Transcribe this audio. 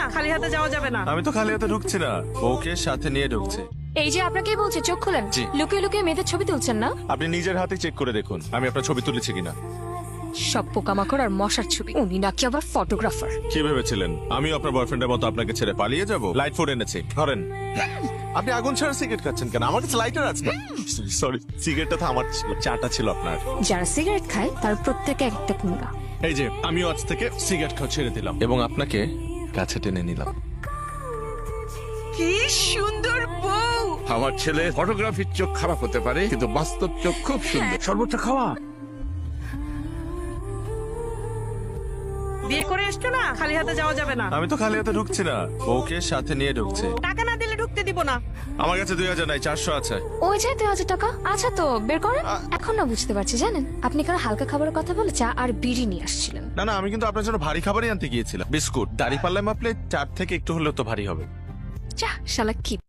খালি হাতে যাওয়া যাবে না। আমি তো খালি হাতে ঢুকছি না, ওকে সাথে নিয়ে ঢুকছে। এই যে আপনাকেই বলছে চোখ খোলেন। জি। লুকিয়ে লুকিয়ে মেয়েদের ছবি তুলছেন না? আপনি নিজের হাতে চেক করে দেখুন আমি আপনার ছবি তুলেছি কিনা। সব পোকামাকড় আর মশার ছবি। উনি নাকি আবার ফটোগ্রাফার। কি ভেবেছিলেন আমি আপনার বয়ফ্রেন্ডের মতো আপনাকে ছেড়ে পালিয়ে যাব? লাইট ফুড এনেছি, ধরেন। আপনি আগুন ছাড়া সিগারেট খাচ্ছেন কেন? আমার কাছে লাইটার আছে। সরি, সিগারেটটা তো আমার ছিল, চাটা ছিল আপনার। যারা সিগারেট খায় তার প্রত্যেকে একটা পুঙ্গা। এই যে আমিও আজ থেকে সিগারেট খাওয়া ছেড়ে দিলাম এবং আপনাকে কাছে টেনে নিলাম। কি সুন্দর বউ। আমার ছেলে ফটোগ্রাফির চোখ খারাপ হতে পারে কিন্তু বাস্তব চোখ খুব সুন্দর। সর্বোচ্চ খাওয়া। বিয়ে করে এসছো না, খালি হাতে যাওয়া যাবে না। আমি তো খালি হাতে ঢুকছি না, ওকে সাথে নিয়ে ঢুকছে। টাকা না দিলে ঢুকতে দিব না। আমার কাছে 2000 নাই, 400 আছে। ওই যে 2000 টাকা আচ্ছা তো বের করেন। এখন না বুঝতে পারছি জানেন, আপনি কারো হালকা খাবারের কথা বলে চা আর বিড়ি নিয়ে আসছিলেন। না না, আমি কিন্তু আপনার জন্য ভারী খাবারই আনতে গিয়েছিলাম। বিস্কুট দাড়ি পাল্লায় মাপলে 4 থেকে একটু হলেও তো ভারী হবে। চা শালা কি